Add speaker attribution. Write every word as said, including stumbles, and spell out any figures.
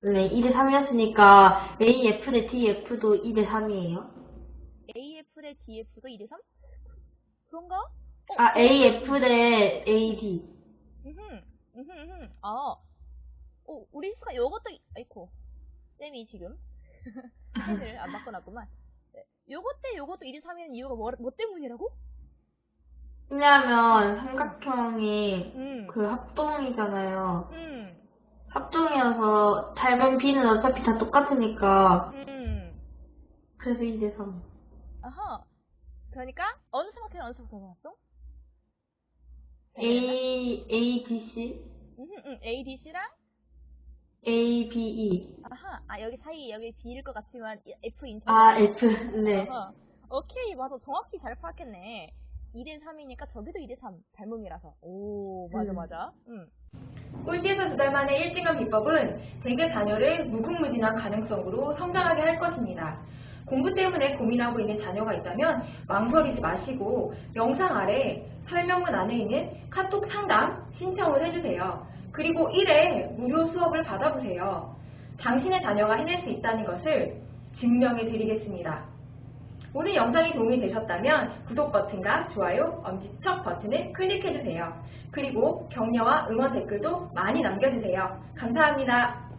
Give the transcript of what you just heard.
Speaker 1: 네, 이 대 삼이었으니까 에이에프 대 디에프도 이 대 삼이에요.
Speaker 2: 에이에프 대 디에프도 이 대 삼? 그런가? 어,
Speaker 1: 아,
Speaker 2: 그러면,
Speaker 1: 에이에프
Speaker 2: 음,
Speaker 1: 대 에이디.
Speaker 2: 음흠, 음흠, 음흠. 아, 어, 우리 수가 요것도, 아이코, 쌤이 지금 펜을 안 바꿔놨구만. 네, 요것 대 요것도 이 대 삼인 이유가 뭐, 뭐 때문이라고?
Speaker 1: 왜냐하면
Speaker 2: 음,
Speaker 1: 삼각형이
Speaker 2: 음,
Speaker 1: 그 합동이잖아요.
Speaker 2: 음,
Speaker 1: 합동이어서 닮은 B는 어차피 다 똑같으니까
Speaker 2: 음.
Speaker 1: 그래서 이 대 삼.
Speaker 2: 아하. 그러니까, 어느 삼각형, 어느 삼각형 나왔어? 닮은 애가?
Speaker 1: A, 에이디씨,
Speaker 2: 음, 음, A, D, C랑
Speaker 1: 에이비이.
Speaker 2: 아하, 아, 여기 사이, 여기 B일 것 같지만, F인
Speaker 1: 아,
Speaker 2: 척이다.
Speaker 1: F, 네.
Speaker 2: 아하. 오케이, 맞아. 정확히 잘 파악했네. 이 대 삼이니까 저기도 이 대 삼. 닮음이라서. 오, 맞아,
Speaker 1: 음.
Speaker 2: 맞아. 응.
Speaker 3: 꼴찌에서 두 달 만에 일 등한 비법은 대개 자녀를 무궁무진한 가능성으로 성장하게 할 것입니다. 공부 때문에 고민하고 있는 자녀가 있다면 망설이지 마시고 영상 아래 설명문 안에 있는 카톡 상담 신청을 해주세요. 그리고 일 회 무료 수업을 받아보세요. 당신의 자녀가 해낼 수 있다는 것을 증명해 드리겠습니다. 오늘 영상이 도움이 되셨다면 구독 버튼과 좋아요, 엄지척 버튼을 클릭해주세요. 그리고 격려와 응원 댓글도 많이 남겨주세요. 감사합니다.